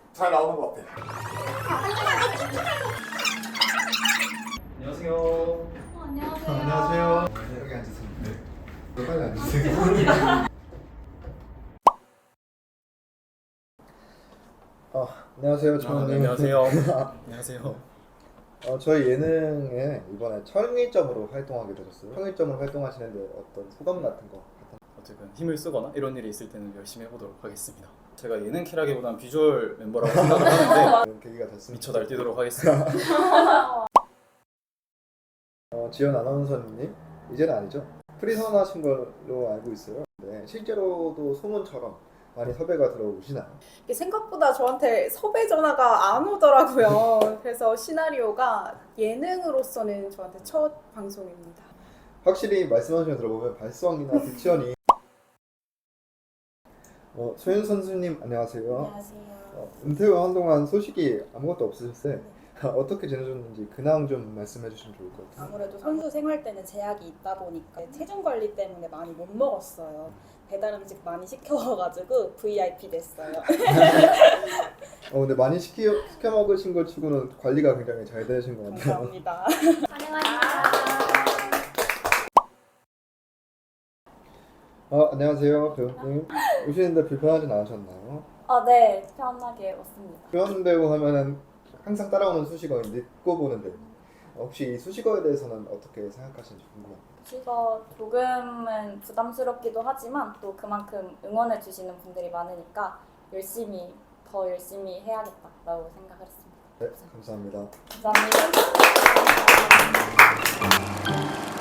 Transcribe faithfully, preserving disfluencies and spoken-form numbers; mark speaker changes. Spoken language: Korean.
Speaker 1: 잘 나오는 것 같아.
Speaker 2: 안녕하세요.
Speaker 3: 어, 안녕하세요.
Speaker 1: 안녕하세요. 네, 여기 앉으세요. 네. 빨리 앉으세요. 아, 안녕하세요,
Speaker 2: 아,
Speaker 1: 주원님.
Speaker 2: 네, 안녕하세요. 안녕하세요.
Speaker 1: 어, 저희 예능에 이번에 청일점으로 활동하게 되셨어요. 청일점으로 활동하시는데 어떤 소감 같은 거?
Speaker 2: 어쨌든 힘을 쓰거나 이런 일이 있을 때는 열심히 해보도록 하겠습니다. 제가 예능 캐라기보다는 비주얼 멤버라고 생각을 하는데
Speaker 1: 그런 계기가 됐습니다.
Speaker 2: 미쳐 날뛰도록 하겠습니다.
Speaker 1: 어, 지연 아나운서님 이제는 아니죠? 프리선 하신 걸로 알고 있어요. 네, 실제로도 소문처럼 많이 섭외가 들어오시나요?
Speaker 3: 이게 생각보다 저한테 섭외 전화가 안 오더라고요. 그래서 시나리오가 예능으로서는 저한테 첫 방송입니다.
Speaker 1: 확실히 말씀하신 거 들어보면 발성이나 딕션이 어, 소윤 선수님 안녕하세요.
Speaker 4: 안녕하세요.
Speaker 1: 어, 은퇴 후 한동안 소식이 아무것도 없으셨을 때 어떻게 지내셨는지 근황 좀 말씀해 주시면 좋을 것 같아요.
Speaker 4: 아무래도 선수 생활 때는 제약이 있다 보니까 체중 관리 때문에 많이 못 먹었어요. 배달 음식 많이 시켜가지고 브이아이피 됐어요.
Speaker 1: 어, 근데 많이 시키, 시켜 먹으신 것 치고는 관리가 굉장히 잘 되신 것 같아요.
Speaker 4: 감사합니다.
Speaker 1: 어, 안녕하세요 배우님. 오시는데 불편하진 않으셨나요?
Speaker 4: 아, 네. 편하게 왔습니다.
Speaker 1: 표현 배우 하면은 항상 따라오는 수식어인 늦고 보는 배우. 어, 혹시 이 수식어에 대해서는 어떻게 생각하시는지 궁금합니다.
Speaker 4: 이거 조금은 부담스럽기도 하지만 또 그만큼 응원해 주시는 분들이 많으니까 열심히 더 열심히 해야겠다라고 생각을 했습니다.
Speaker 1: 네, 감사합니다.
Speaker 4: 감사합니다.